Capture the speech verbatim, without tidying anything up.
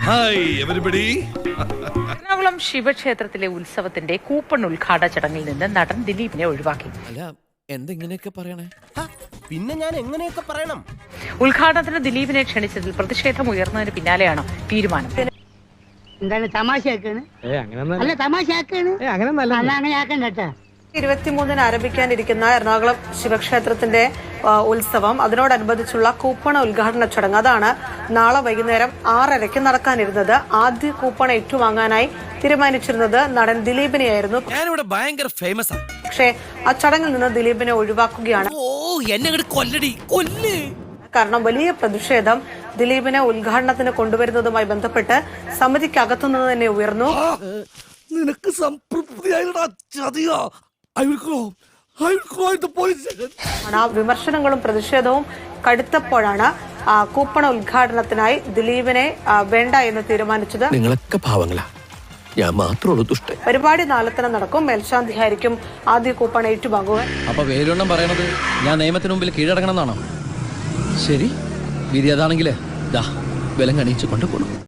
Hi everybody. Ernakulam ശിവക്ഷേത്രത്തിലെ ഉത്സവത്തിന്റെ coupon ഉദ്ഘാടന ചടങ്ങിൽ നിന്ന് നടൻ ദിലീപിനെ ഒഴിവാക്കി. അല്ല എന്തെങ്ങനെയൊക്കെ പറയണേ? പിന്നെ ഞാൻ എങ്ങനെയൊക്കെ പറയണം? ഉദ്ഘാടനത്തിന് ദിലീപിനെ ക്ഷണിച്ചതിൽ പ്രതിഷേധം ഉയർന്നതിന് പിന്നാലെയാണ് തീരുമാനം. എന്താണ് തമാശയാക്കാണ്? അല്ല തമാശയാക്കാണ്, അങ്ങനെ ആക്കണ്ട കേട്ടാ. ഇരുപത്തിമൂന്നിന് ആരംഭിക്കാനിരിക്കുന്ന എറണാകുളം ശിവക്ഷേത്രത്തിന്റെ ഉത്സവം, അതിനോടനുബന്ധിച്ചുള്ള കൂപ്പണ ഉദ്ഘാടന ചടങ്ങ്, അതാണ് നാളെ വൈകുന്നേരം ആറരയ്ക്ക് നടക്കാനിരുന്നത്. ആദ്യ കൂപ്പൺ ഏറ്റുവാങ്ങാനായി തീരുമാനിച്ചിരുന്നത് നടൻ ദിലീപിനെയായിരുന്നു. ഞാനിവിടെ ഭയങ്കര ഫേമസ് ആണ്. പക്ഷേ ആ ചടങ്ങിൽ നിന്ന് ദിലീപിനെ ഒഴിവാക്കുകയാണ്. ഓ എന്നെ കൊല്ലടി കൊല്ല്. കാരണം വലിയ പ്രതിഷേധം ദിലീപിനെ ഉദ്ഘാടനത്തിന് കൊണ്ടുവരുന്നതുമായി ബന്ധപ്പെട്ട് സമിതിക്കകത്തുനിന്ന് തന്നെ ഉയർന്നു. നിനക്ക് സംതൃപ്തിയായിട്ടാ. ആ വിമർശനങ്ങളും പ്രതിഷേധവും കടുത്തപ്പോഴാണ് കൂപ്പണ ഉദ്ഘാടനത്തിനായി ദിലീപിനെ വേണ്ട എന്ന് തീരുമാനിച്ചത്. നിങ്ങളൊക്കെ പാവങ്ങളാ, ഞാൻ മാത്രമുള്ളൂ ദുഷ്ട. പരിപാടി നാളെ തന്നെ നടക്കും. മേൽശാന്തിയായിരിക്കും ആദ്യ കൂപ്പൺ ഏറ്റുവാങ്ങുക. അപ്പൊ വേലുണ്ണം പറയണത് ഞാൻ നിയമത്തിന് മുമ്പിൽ കീഴടങ്ങണം എന്നാണോ? ശരി, വിധി അതാണെങ്കിലേ ദാ വിലങ്ങണിയിച്ചു കൊണ്ടുപോകണം.